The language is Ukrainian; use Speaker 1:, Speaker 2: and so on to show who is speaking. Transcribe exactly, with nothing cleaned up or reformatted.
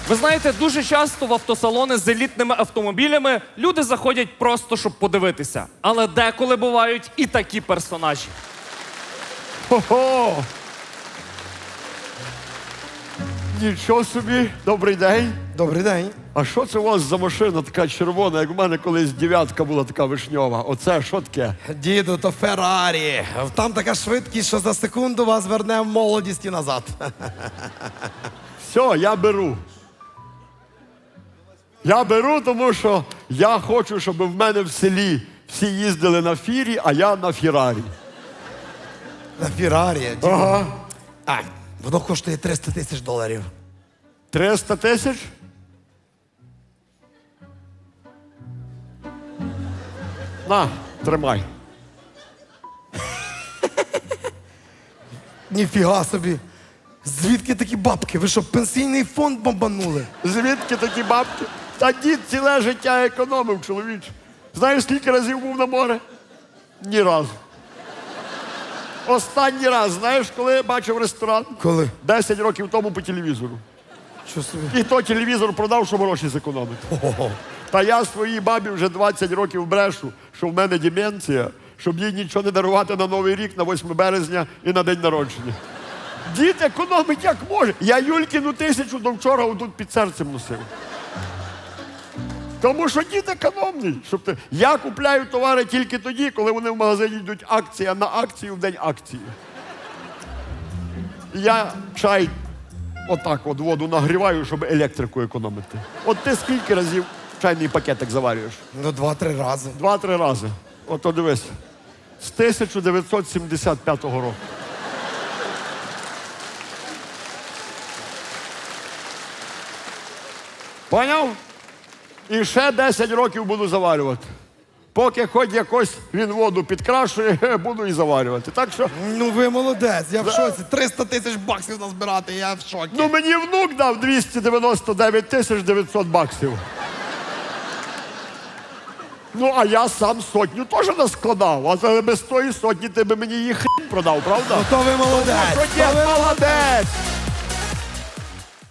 Speaker 1: Ви знаєте, дуже часто в автосалони з елітними автомобілями люди заходять просто, щоб подивитися. Але деколи бувають і такі персонажі.
Speaker 2: Хо-хо! Нічого собі, добрий день.
Speaker 3: Добрий день.
Speaker 2: А що це у вас за машина така червона, як у мене колись дев'ятка була така вишньова? Оце що таке?
Speaker 3: Діду, то Феррарі. Там така швидкість, що за секунду вас верне в молодість і назад.
Speaker 2: Все, я беру. Я беру, тому що я хочу, щоб в мене в селі всі їздили на фірі, а я на Феррарі.
Speaker 3: На Феррарі. Діду.
Speaker 2: Ага.
Speaker 3: А, воно коштує триста тисяч доларів.
Speaker 2: триста тисяч? На, тримай.
Speaker 3: Ніфіга собі. Звідки такі бабки? Ви що, пенсійний фонд бомбанули?
Speaker 2: Звідки такі бабки? Та дід ціле життя економив, чоловіч. Знаєш, скільки разів був на море? Ні разу. Останній раз, знаєш, коли бачив ресторан?
Speaker 3: Коли?
Speaker 2: Десять років тому по телевізору.
Speaker 3: Що собі?
Speaker 2: І то телевізор продав, щоб гроші зекономити.
Speaker 3: Ого.
Speaker 2: Та я своїй бабі вже двадцять років брешу, що в мене деменція, щоб їй нічого не дарувати на Новий рік, на восьме березня і на день народження. Дід економить як може. Я Юлькіну тисячу до вчора отут під серцем носив. Тому що дід економний. Щоб ти... Я купляю товари тільки тоді, коли вони в магазині йдуть акція на акцію в день акції. Я чай отак от воду нагріваю, щоб електрику економити. От ти скільки разів чайний пакетик заварюєш?
Speaker 3: Ну, два-три рази.
Speaker 2: Два-три рази. Ото дивись. З тисяча дев'ятсот сімдесят п'ятого року. Поняв? І ще десять років буду заварювати. Поки хоч якось він воду підкрашує, буду і заварювати. Так що,
Speaker 3: Ну ви молодець, я в шоці. триста тисяч баксів назбирати, я в шокі.
Speaker 2: ну мені внук дав двісті дев'яносто дев'ять тисяч дев'ятсот баксів. Ну, а я сам сотню теж наскладав, а за- без тої сотні ти би мені її хрінь продав, правда?
Speaker 3: Ну то ви молодець.
Speaker 2: Що, дід, молодець!